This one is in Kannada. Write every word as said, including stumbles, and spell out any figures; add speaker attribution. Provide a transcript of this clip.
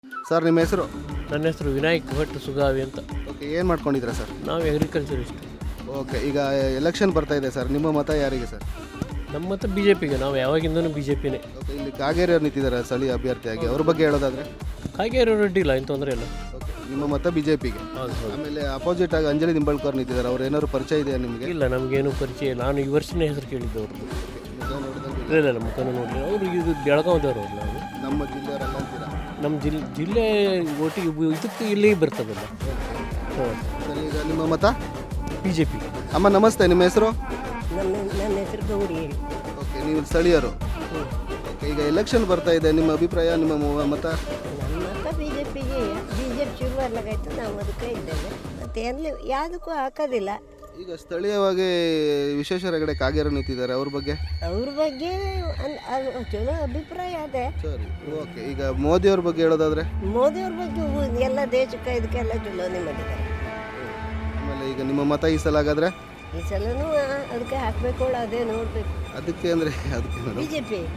Speaker 1: ಸರ್ ನಿಮ್ಮ ಹೆಸರು?
Speaker 2: ನನ್ನ ಹೆಸರು ವಿನಾಯಕ್ ಭಟ್ ಸುಗಾವಿ ಅಂತ.
Speaker 1: ಓಕೆ, ಏನು ಮಾಡ್ಕೊಂಡಿದ್ದೀರಾ ಸರ್?
Speaker 2: ನಾವು ಅಗ್ರಿಕಲ್ಚರಿಸ್ಟ್.
Speaker 1: ಓಕೆ, ಈಗ ಎಲೆಕ್ಷನ್ ಬರ್ತಾ ಇದೆ ಸರ್, ನಿಮ್ಮ ಮತ ಯಾರಿಗೆ ಸರ್?
Speaker 2: ನಮ್ಮ ಮತ ಬಿ ಜೆ ಪಿಗೆ. ನಾವು ಯಾವಾಗಿಂದನೂ ಬಿ ಜೆ ಪಿನೇ.
Speaker 1: ಓಕೆ, ಇಲ್ಲಿ ಕಾಗೇರಿ ಅವ್ರು ನಿಂತಿದ್ದಾರೆ ಸ್ಥಳೀಯ ಅಭ್ಯರ್ಥಿಯಾಗಿ, ಅವ್ರ ಬಗ್ಗೆ ಹೇಳೋದಾದ್ರೆ?
Speaker 2: ಕಾಗೇರಿ ರೆಡ್ಡಿ ಇಲ್ಲ, ಏನು ತೊಂದರೆ ಇಲ್ಲ.
Speaker 1: ಓಕೆ, ನಿಮ್ಮ ಮತ ಬಿ ಜೆ ಪಿಗೆ.
Speaker 2: ಹೌದು ಹೌದು.
Speaker 1: ಆಮೇಲೆ ಅಪೋಸಿಟ್ ಆಗಿ ಅಂಜಲಿ ನಿಂಬಾಳ್ಕರ್ ನಿಂತಿದ್ದಾರೆ, ಅವ್ರು ಏನಾದ್ರು ಪರಿಚಯ ಇದೆಯಾ ನಿಮಗೆ?
Speaker 2: ಇಲ್ಲ, ನಮಗೇನು ಪರಿಚಯ ಇಲ್ಲ. ನಾನು ಈ ವರ್ಷನೇ ಹೆಸರು ಕೇಳಿದ್ದು ಅವ್ರದ್ದು. ಇಲ್ಲ ಇಲ್ಲ, ನಮ್ಮ ಮುಖನೂ ನೋಡಲಿಲ್ಲ. ಅವರು ಇದು ಬೆಳಗಾವಿದವರು ಅವ್ರು. ನಾವು
Speaker 1: ನಮ್ಮ ಜಿಲ್ಲೆಯವರೆಲ್ಲ ಅಂತೀರಾ?
Speaker 2: ನಮ್ಮ ಜಿಲ್ಲೆ ಜಿಲ್ಲೆ ಒಟ್ಟಿಗೆ ಉ- ಇದಕ್ಕೆ ಇಲ್ಲಿ ಬರ್ತದಲ್ಲ. ಹಾಂ,
Speaker 1: ಸರ್, ಈಗ ನಿಮ್ಮ ಮತ
Speaker 2: ಬಿ ಜೆ ಪಿ.
Speaker 1: ಅಮ್ಮ ನಮಸ್ತೆ, ನಿಮ್ಮ ಹೆಸರು?
Speaker 3: ನಮ್ಮ ನನ್ನ ಹೆಸರು ಗೌರಿ ಹೇಳಿ.
Speaker 1: ಓಕೆ, ನೀವು ಸ್ಥಳೀಯರು. ಓಕೆ, ಈಗ ಎಲೆಕ್ಷನ್ ಬರ್ತಾ ಇದೆ, ನಿಮ್ಮ ಅಭಿಪ್ರಾಯ, ನಿಮ್ಮ ಮು- ಮತ?
Speaker 3: ನನ್ನ ಮತ ಬಿ ಜೆ ಪಿಗೆ. ಬಿ ಜೆ ಪಿ ಶುರು ಬರ್ಲಾಗಾಯ್ತು, ನಾವು ಅದಕ್ಕೆ ಇದ್ದೇವೆ. ಮತ್ತು ಎಲ್ಲಿ ಯಾವುದಕ್ಕೂ ಹಾಕೋದಿಲ್ಲ.
Speaker 1: ಈಗ ಸ್ಥಳೀಯವಾಗಿ ವಿಶ್ವೇಶ್ವರ ಹೆಗಡೆ ಕಾಗೇರಿ ನಿಂತಿದ್ದಾರೆ, ಅವ್ರ ಬಗ್ಗೆ?
Speaker 3: ಅವ್ರ ಬಗ್ಗೆ ಅನ್- ಅದು ಚಲೋ ಅಭಿಪ್ರಾಯ ಅದೇ.
Speaker 1: ಸರಿ, ಓಕೆ. ಈಗ ಮೋದಿ ಅವ್ರ ಬಗ್ಗೆ ಹೇಳೋದಾದ್ರೆ?
Speaker 3: ಮೋದಿಯವ್ರ ಬಗ್ಗೆ ಉ- ಎಲ್ಲ ದೇಶಕ್ಕೆ ಇದಕ್ಕೆಲ್ಲ ಚಲೋನೇ ಮಾಡಿದ್ದಾರೆ.
Speaker 1: ಆಮೇಲೆ ಈಗ ನಿಮ್ಮ ಮತ ಈ ಸಲ ಹಾಗಾದ್ರೆ?
Speaker 3: ಈ ಸಲನೂ ಅದಕ್ಕೆ ಹಾಕಬೇಕು, ಅದೇ ನೋಡಬೇಕು.
Speaker 1: ಅದಕ್ಕೆ ಅಂದರೆ ಅದಕ್ಕೆ
Speaker 3: ಬಿ ಜೆ ಪಿ